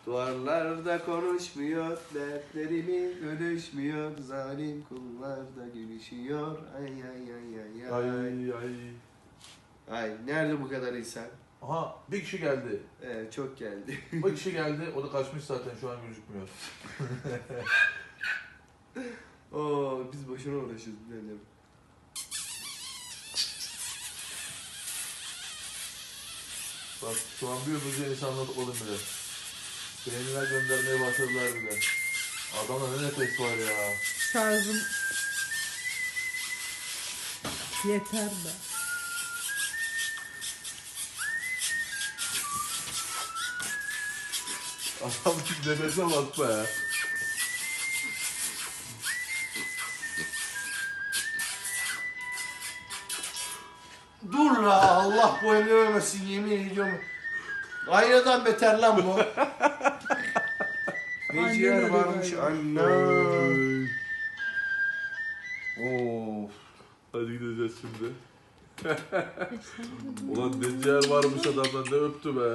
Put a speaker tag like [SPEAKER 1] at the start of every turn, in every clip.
[SPEAKER 1] Duvarlarda konuşmuyor, dertlerimi bölüşmüyor, zalim kullar da gülüşüyor. Ay ay ay ay ay.
[SPEAKER 2] Ay ay.
[SPEAKER 1] Ay nerede bu kadar insan?
[SPEAKER 2] Aha bir kişi geldi.
[SPEAKER 1] Evet çok geldi.
[SPEAKER 2] Bir kişi geldi. O da kaçmış zaten şu an gözükmüyor.
[SPEAKER 1] Oo biz boşuna uğraşıyoruz biraderim.
[SPEAKER 2] Bak şu an bir ömürce insanlar topladım bile. Beğeniler göndermeye başladılar bile. Adamda ne nefes var ya.
[SPEAKER 3] Şarjım yeter be.
[SPEAKER 2] Adam nefese bak be.
[SPEAKER 1] Dur la Allah bu emri vermesin yemin ediyorum. Aynadan beter lan bu. Ne ciğer
[SPEAKER 3] Annem
[SPEAKER 1] varmış
[SPEAKER 3] öyle
[SPEAKER 1] anne. Of.
[SPEAKER 2] Hadi gideceğiz şimdi. Ulan ne ciğer varmış adamdan, ne öptü be.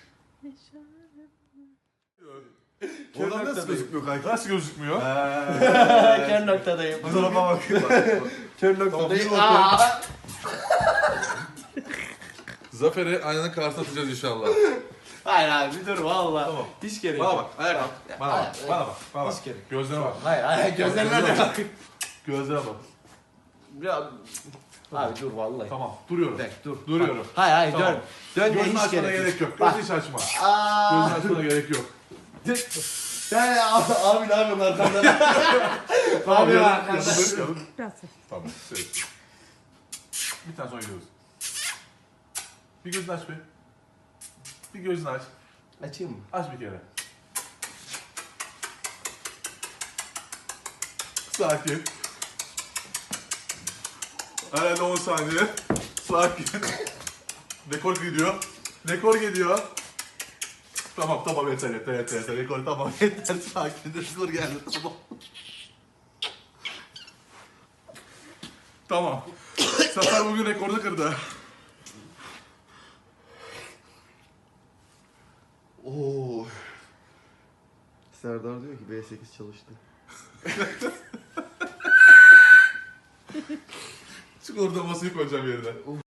[SPEAKER 2] Oradan nasıl gözükmüyor kanka? Nasıl gözükmüyor?
[SPEAKER 1] Kör noktadayım.
[SPEAKER 2] Bu tarafa bakıyor.
[SPEAKER 1] Kör
[SPEAKER 2] Tamam,
[SPEAKER 1] noktadayım.
[SPEAKER 2] bir
[SPEAKER 1] Aa!
[SPEAKER 2] Zafer'i aynanın karşısına atacağız inşallah.
[SPEAKER 1] Hayır abi dur valla.
[SPEAKER 2] Tamam.
[SPEAKER 1] Hiç gerek
[SPEAKER 2] Bana
[SPEAKER 1] yok.
[SPEAKER 2] bak, ayağa kalk. Bana bak, bana bak, bana bak.
[SPEAKER 1] Hiç gerek.
[SPEAKER 2] Gözlerine bak.
[SPEAKER 1] Hayır hayır gözlerine de bak.
[SPEAKER 2] Gözlerine bak.
[SPEAKER 1] Ya, abi dur vallahi.
[SPEAKER 2] Tamam, duruyorum.
[SPEAKER 1] Bek dur.
[SPEAKER 2] Duruyorum.
[SPEAKER 1] Bak. Hayır hayır
[SPEAKER 2] Tamam.
[SPEAKER 1] dön. Dön de
[SPEAKER 2] Gözünü
[SPEAKER 1] hiç
[SPEAKER 2] açmana
[SPEAKER 1] gerek,
[SPEAKER 2] gerek yok.
[SPEAKER 1] Bak.
[SPEAKER 2] Gözünü hiç açma.
[SPEAKER 1] Aa.
[SPEAKER 2] Gözünü açmana gerek yok.
[SPEAKER 1] Yani abi ne yapıyorsun arkamdan?
[SPEAKER 2] Tamam,
[SPEAKER 1] Abi
[SPEAKER 2] yarın-
[SPEAKER 1] arkamdan.
[SPEAKER 2] yarın-
[SPEAKER 3] Biraz.
[SPEAKER 2] Tamam, evet. Bir tane sonra gidiyoruz. Bir gözünü aç be. Bir gözünü aç.
[SPEAKER 1] Açayım mı?
[SPEAKER 2] Aç bir kere. Sakin. Herhalde 10 saniye. Sakin. Rekor gidiyor. Rekor gidiyor. Tamam yeter. Rekor tamam yeter. Sakin. Rekor geldi tamam. Tamam. Zafer bugün rekoru kırdı.
[SPEAKER 1] Oo. Serdar diyor ki B8 çalıştı.
[SPEAKER 2] Çık orada masayı koyacağım yerine.